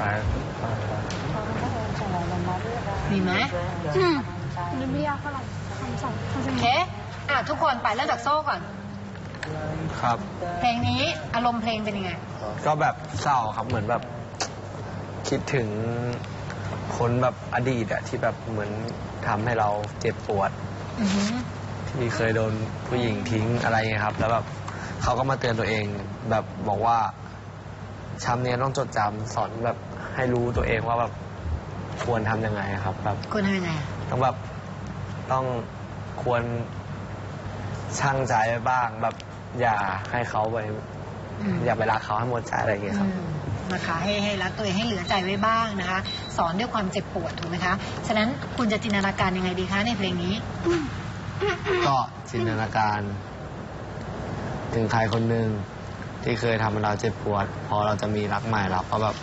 มีไหมนี่ไม่ยากเท่าไหร่คำสองโอเคทุกคนไปเริ่มจากโซ่ก่อนครับเพลงนี้อารมณ์เพลงเป็นยังไงก็แบบเศร้าครับเหมือนแบบคิดถึงคนแบบอดีตอะที่แบบเหมือนทำให้เราเจ็บปวดที่เคยโดนผู้หญิงทิ้งอะไรเงี้ยครับแล้วแบบเขาก็มาเตือนตัวเองแบบบอกว่าช้ำเนี้ยต้องจดจำสอนแบบให้รู้ตัวเองว่าแบบควรทำยังไงครับแบบควรทำยังไงต้องแบบต้องควรชั่งใจไว้บ้างแบบอย่าให้เขาไปอย่าไปรักเขาให้หมดใจอะไรอย่างเงี้ยครับนะคะให้รักตัวเองให้เหลือใจไว้บ้างนะคะสอนด้วยความเจ็บปวดถูกไหมคะฉะนั้นคุณจะจินตนาการยังไงดีคะในเพลงนี้ก็จินตนาการถึงใครคนหนึ่งที่เคยทำให้เราเจ็บปวดพอเราจะมีรักใหม่เราก็แบบ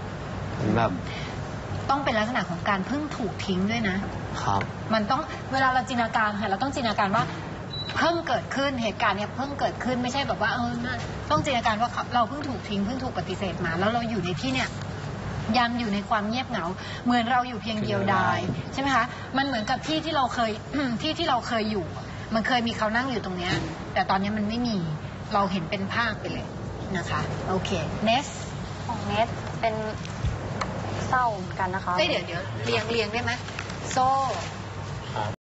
ต้องเป็นลักษณะของการเพิ่งถูกทิ้งด้วยนะครับมันต้องเวลาเราจินตนาการค่ะเราต้องจินตนาการว่าเพิ่งเกิดขึ้นเหตุการณ์เนี้ยเพิ่งเกิดขึ้นไม่ใช่แบบว่าต้องจินตนาการว่าเราเพิ่งถูกทิ้งเพิ่งถูกปฏิเสธมาแล้วเราอยู่ในที่เนี้ยยังอยู่ในความเงียบเหงาเหมือนเราอยู่เพียงเดียวดายใช่ไหมคะมันเหมือนกับที่ที่เราเคย ที่เราเคยอยู่มันเคยมีเขานั่งอยู่ตรงเนี้ยแต่ตอนนี้มันไม่มีเราเห็นเป็นภาพไปเลยนะคะโอเคเนสของเนสเป็นเศร้าเหมือนกันนะคะเดี๋ยวเรียงได้ไหมโซ่